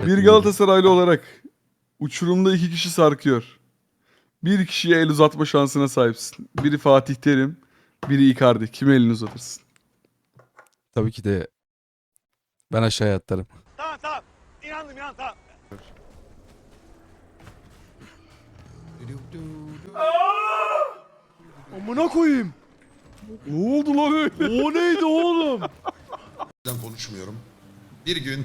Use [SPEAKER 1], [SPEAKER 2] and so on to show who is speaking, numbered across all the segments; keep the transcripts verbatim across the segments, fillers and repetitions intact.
[SPEAKER 1] Bir Galatasaraylı olarak uçurumda iki kişi sarkıyor. Bir kişiye el uzatma şansına sahipsin. Biri Fatih Terim, biri Icardi. Kime elini uzatırsın?
[SPEAKER 2] Tabii ki de ben aşağıya atlarım.
[SPEAKER 3] Tamam tamam. İnandım inan tamam.
[SPEAKER 4] Amına koyayım.
[SPEAKER 1] Ne oldu lan öyle?
[SPEAKER 4] O neydi oğlum?
[SPEAKER 5] Ben konuşmuyorum. Bir gün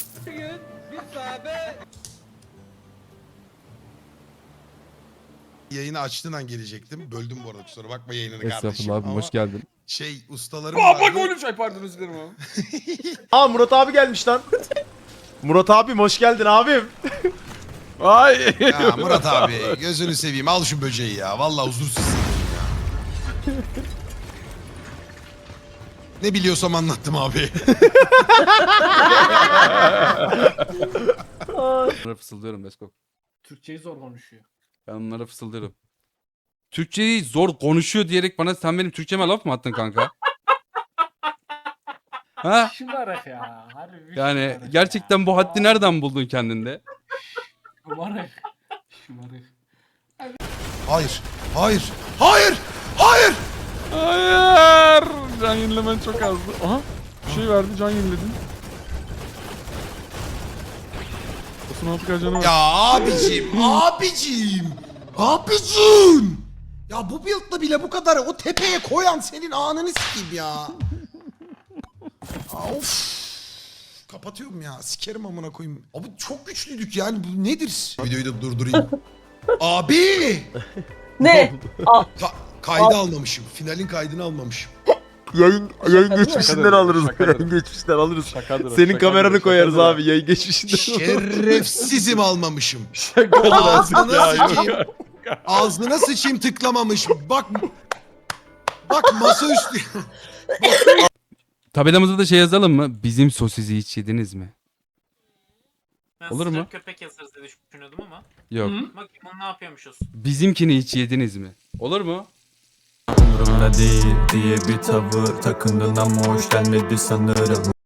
[SPEAKER 5] yayını açtığın an gelecektim. Böldüm bu arada, kusura bakma yayınını kardeşim.
[SPEAKER 2] Estağfurullah abim
[SPEAKER 5] Ama
[SPEAKER 2] hoş geldin.
[SPEAKER 5] şey ustalarım
[SPEAKER 1] Aa bak
[SPEAKER 5] vardı.
[SPEAKER 1] oğlum şey pardon özür dilerim abi.
[SPEAKER 4] Aa Murat abi gelmiş lan. Murat abim hoş geldin abim.
[SPEAKER 1] Ay.
[SPEAKER 5] Ya Murat abi gözünü seveyim, al şu böceği ya. Vallahi huzursuz hissediyorum ya. Ne biliyorsam anlattım abi.
[SPEAKER 2] Onlara fısıldıyorum Beskok.
[SPEAKER 6] Türkçeyi zor konuşuyor.
[SPEAKER 2] Ben onlara fısıldıyorum. Türkçeyi zor konuşuyor diyerek bana sen benim Türkçeme laf mı attın kanka? Ha?
[SPEAKER 6] Şımarık ya. Harbi bir
[SPEAKER 2] Yani
[SPEAKER 6] şımarık
[SPEAKER 2] gerçekten
[SPEAKER 6] ya.
[SPEAKER 2] bu haddi nereden buldun kendinde?
[SPEAKER 6] Şımarık. Şımarık.
[SPEAKER 5] Hayır, hayır, hayır, hayır.
[SPEAKER 1] Hayır. Can yenilemen çok azdı. Aha. Bir şey verdi can yeniledin. Osman Altıkay canı var.
[SPEAKER 5] Ya abicim, abicim, abicim. Ya bu build'la bile bu kadar o tepeye koyan senin ananı sikeyim ya. Of. Kapatıyorum ya. Sikerim amına koyayım. Abi çok güçlüydük yani. Bu nedir? Videoyu da durdurayım. Abi!
[SPEAKER 7] Ne?
[SPEAKER 5] Ka- kaydı almamışım. Finalin kaydını almamışım.
[SPEAKER 4] Yayın yayın geçmişinden
[SPEAKER 1] Şakadır,
[SPEAKER 4] alırız.
[SPEAKER 1] şakadır.
[SPEAKER 4] Yayın geçmişinden alırız.
[SPEAKER 1] Şakadır o,
[SPEAKER 4] Senin
[SPEAKER 1] şakadır,
[SPEAKER 4] kameranı koyarız
[SPEAKER 1] şakadır.
[SPEAKER 4] abi yayın geçmişinden.
[SPEAKER 5] Şerefsizim almamışım.
[SPEAKER 1] Şakadır.
[SPEAKER 5] Ağzına
[SPEAKER 1] Ya, yok.
[SPEAKER 5] sıçayım. Ağzına sıçayım tıklamamış. Bak. Bak masaüstü.
[SPEAKER 2] Tabelamıza da şey yazalım mı? Bizim sosisi hiç yediniz mi?
[SPEAKER 8] Ben
[SPEAKER 2] Olur mu?
[SPEAKER 8] sıcak köpek yazarız diye düşünüyordum ama.
[SPEAKER 2] Yok.
[SPEAKER 8] Bakayım onu ne yapıyormuşuz.
[SPEAKER 2] Bizimkini hiç yediniz mi? Olur mu?
[SPEAKER 9] Umurumda değil diye bir tavır takındın ama hoş gelmedi sanırım.